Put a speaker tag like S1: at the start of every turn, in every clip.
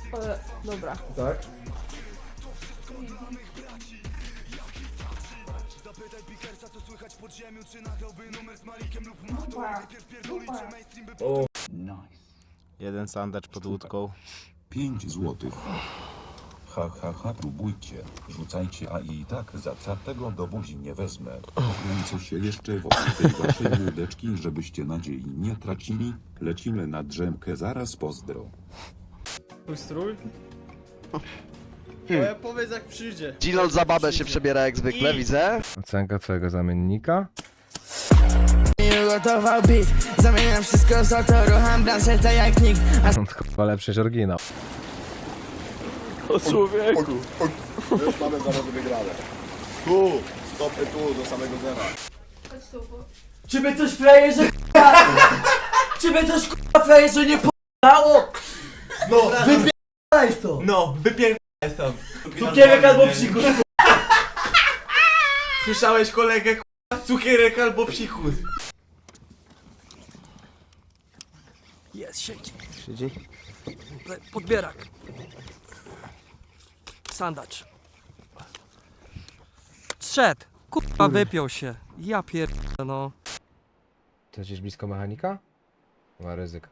S1: Dobra.
S2: Tak? O,
S3: Jeden sandacz pod łódką.
S4: 5 złotych. Ha, ha, ha, próbujcie. Rzucajcie, a i tak za tego do buzi nie wezmę. Kręcę się jeszcze wokół tej waszej łódeczki, żebyście nadziei nie tracili. Lecimy na drzemkę, zaraz pozdro.
S2: twój strój? Powiedz jak przyjdzie.
S5: Ginol za babę się przebiera jak zwykle, widzę.
S6: Ocenka twojego zamiennika?
S7: Gotował beat, zamieniam wszystko za to, rucham branżę tak jak nikt.
S6: Chyba lepszy niż oryginał.
S2: O człowieku.
S8: Już mamy zawody wygrane. Tu, stopy tu, do samego zera.
S7: Czy by coś frajerze Czy by coś frajerze nie p***ało?
S2: No,
S7: Wypierdalaj to!
S2: no, wypierdalaj stąd.
S7: Cukierek albo psikus.
S2: Słyszałeś kolegę, cukierek albo psikus.
S7: Jest, siedzi.
S3: Siedzi?
S7: Podbierak. Sandacz.
S9: Szedł. Kurwa, wypiął się. Ja pierdolę, no.
S6: To gdzieś blisko mechanika? Ma ryzyko.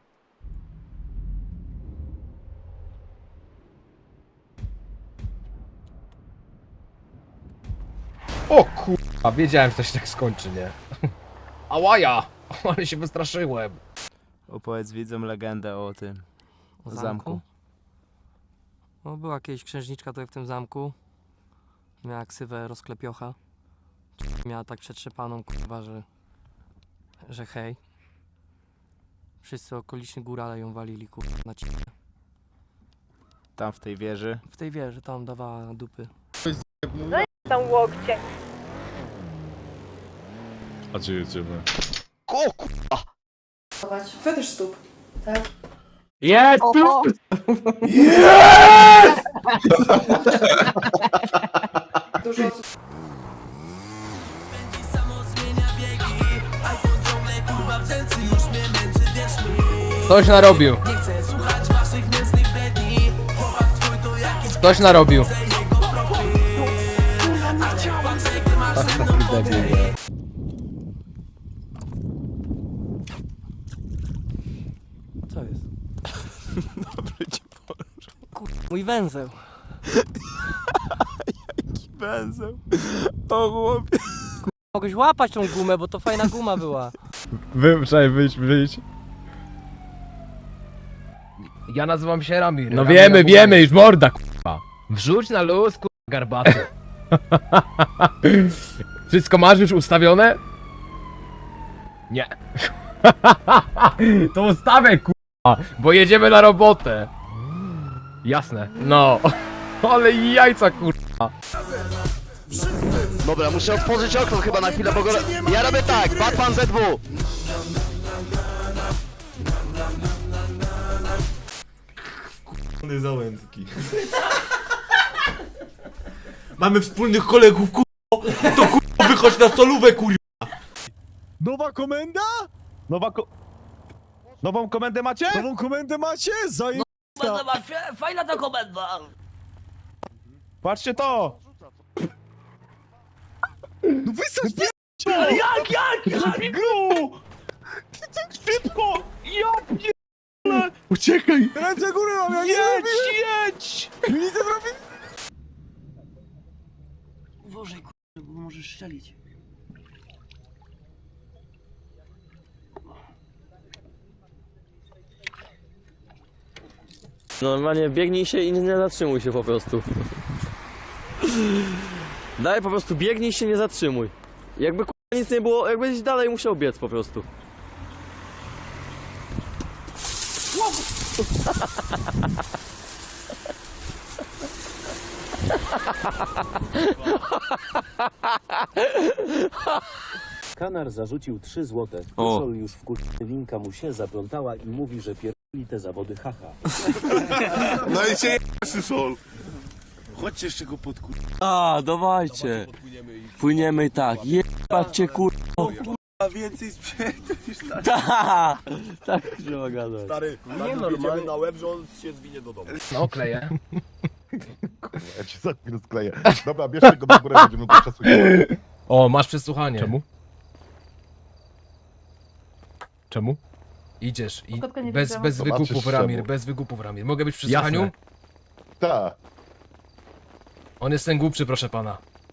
S6: O kurwa, wiedziałem, że to się tak skończy, nie? Ałaja! Ale się wystraszyłem.
S3: Opowiedz widzom legendę o tym
S9: O
S3: zamku.
S9: No, była kiedyś księżniczka tutaj w tym zamku. Miała ksywę rozklepiocha. Miała tak przetrzepaną, kurwa, że hej. Wszyscy okoliczni górale ją walili, kurwa, na ciebie.
S3: Tam w tej wieży.
S9: W tej wieży tam dawała dupy.
S1: Tam łokcie.
S10: A gdzie jedziemy?
S5: O kurwa!
S1: Fetysz stóp. Tak?
S2: Jest!
S1: Oho. Dużo osób.
S6: Ktoś narobił. Ktoś narobił.
S9: Co jest?
S3: Dobry ci
S9: Mój węzeł.
S3: węzeł. O chłopie.
S9: Mogłeś łapać tą gumę, bo to fajna guma była.
S6: Wyjdź. Ja nazywam się Ramir.
S10: No
S6: wiemy, już morda, kurwa. Wrzuć na luz, kurwa, garbaty. Wszystko masz już ustawione? Nie. To ustawię, kurwa, bo jedziemy na robotę. Jasne. No. Ale jajca, kurwa.
S5: Dobra, muszę otworzyć okno chyba na chwilę, bo go... Ja robię tak, Batman ZW.
S2: Załęcki. Mamy wspólnych kolegów, kurwa. To kurwa wychodź na solówę, kurwa.
S10: Nowa komenda? Nową komendę macie? Nową komendę macie?
S7: Fajna ta komenda!
S10: Patrzcie to! No wysać,
S7: Jak?
S10: Gru! Ty tak szybko! Ja pierdolę! Uciekaj! Ręce górę mam, ja jedź! Nic nie zrobię!
S7: Uważaj, bo możesz strzelić.
S11: Normalnie biegnij się i nie zatrzymuj się po prostu. Daj po prostu biegnij się, nie zatrzymuj. Jakby nic nie było, jakbyś dalej musiał biec po prostu.
S12: Kanar zarzucił 3 złote. Tuszol już w linka mu się zaplątała i mówi, że pierdoli te zawody, haha.
S8: No i się Tuszol. Chodźcie jeszcze go podkur...
S11: A, dawajcie. Płyniemy i tak. Jebać cię, kurwa.
S10: więcej sprzętu niż tak.
S11: Tak, trzeba gadać.
S8: Stary, nie normalnie na łeb, że on się zwinie do domu.
S6: No, kleję.
S8: Ja ci za chwilę skleję. Dobra, bierzcie go do góry, będziemy go przesłuchiwać.
S6: O, masz przesłuchanie.
S2: Czemu?
S6: Czemu? Idziesz i
S1: Kotka nie
S6: bez
S1: widziała.
S6: wygupów,
S8: Zobaczysz
S6: Ramir,
S8: czemu.
S6: bez wygupów, Ramir. Mogę być w przesłuchaniu?
S2: Jasne.
S8: Tak.
S6: On jest ten głupszy, proszę pana.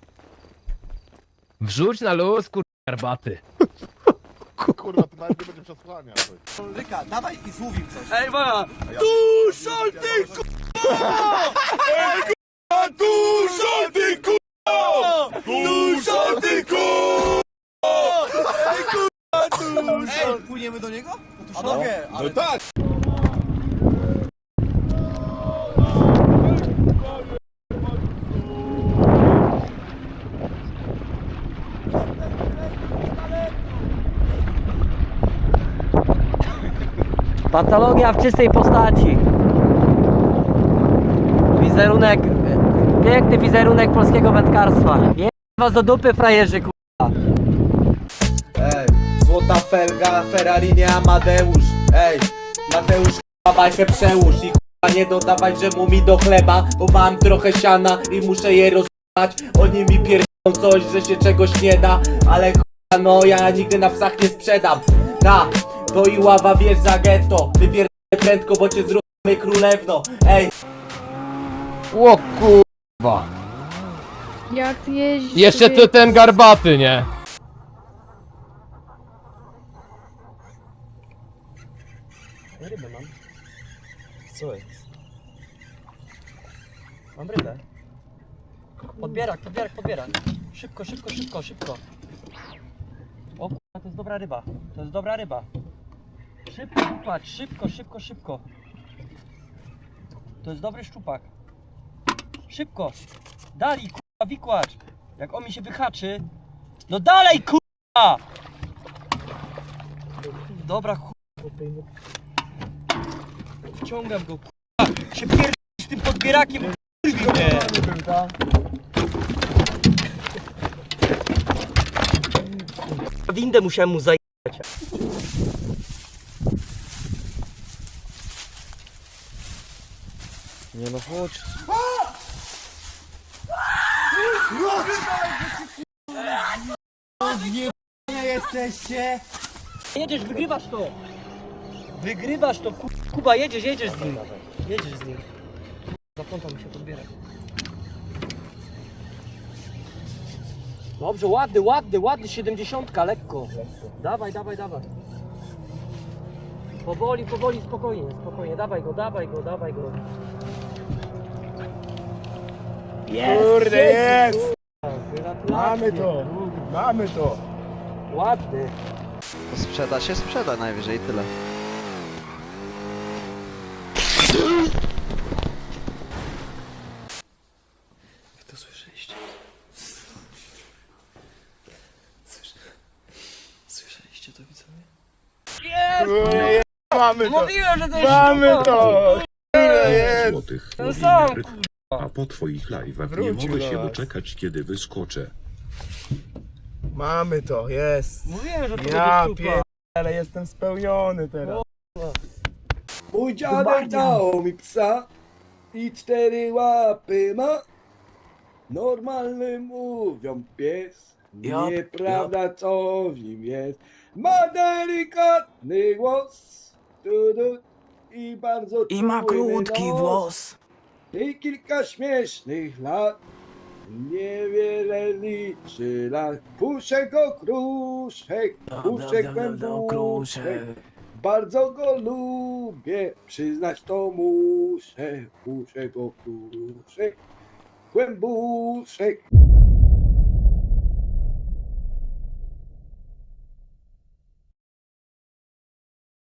S6: Wrzuć na luz, garbaty.
S8: Kurwa, to nawet nie będzie przesłuchania.
S10: Ryka, dawaj i złów im coś.
S11: Ej, Waja!
S10: Dużo ty k***a! Dużo ty k***a! Dużo ty k***a! Ej k***a, dużo! Ej, płyniemy do niego? A mogę, ale...
S8: No tak!
S9: Patologia w czystej postaci. Wizerunek, piękny wizerunek polskiego wędkarstwa. Je was do dupy, frajerzy, k***a.
S7: Ej, złota felga, Ferrari nie Amadeusz. Ej, Mateusz k***a bajkę przełóż i k***a nie dodawaj, że mu mi do chleba, bo mam trochę siana i muszę je rozjebać. Oni mi pierdolą coś, że się czegoś nie da, ale k***a no ja nigdy na psach nie sprzedam. Ta, to i ława wiesz za getto, wypierdolę prędko, bo cię zróbmy królewno. Ej,
S6: O kurwa.
S1: Jak ty jeździsz?
S6: Jeszcze ty ten garbaty, nie?
S9: Rybę mam. Co jest? Mam rybę. Podbierak. Szybko. O kurwa, to jest dobra ryba. Szybko, szczupak, szybko. To jest dobry szczupak. Szybko. Dalej, kurwa, wikłacz. Jak on mi się wyhaczy. No dalej, kurwa! Dobra, kurwa. Wciągam go, kurwa. Się pierdolę z tym podbierakiem, kurwa. Windę musiałem mu zajebać. Nie no, chodź.
S7: jesteście?
S9: Jedziesz, wygrywasz to, Kuba, jedziesz z nim. Zaplątał mi się podbierak. Dobrze, ładny, 70, lekko. Dawaj. Powoli, spokojnie, dawaj go.
S10: Kurde, jest!
S9: Gratulacje.
S10: Mamy to!
S9: Ładny.
S5: To sprzeda najwyżej tyle.
S9: To słyszeliście? Słyszeliście to, widzowie?
S10: Jest! Mamy to!
S9: Mówiłem, że to jest
S10: Mamy
S9: sztuka.
S10: to! Jest!
S4: Złotych.
S9: Ten sam,
S4: A po twoich live'ach nie
S10: Wrócił
S4: mogę
S10: do
S4: się
S10: nas.
S4: doczekać, kiedy wyskoczę.
S10: Mamy to, jest!
S9: Mówiłem, że to
S10: Ja
S9: będzie sztuka.
S10: ale jestem spełniony teraz.
S7: Mój dziadek dał mi psa i 4 łapy ma. Normalny mówią pies, nieprawda co w nim jest. Ma delikatny głos, i bardzo
S10: I ma
S7: czujny
S10: krótki
S7: nos.
S10: włos.
S7: I kilka śmiesznych lat, niewiele liczy lat. Puszek okruszek, puszek głębuszek. Bardzo go lubię, przyznać to muszę. Puszek okruszek, głębuszek.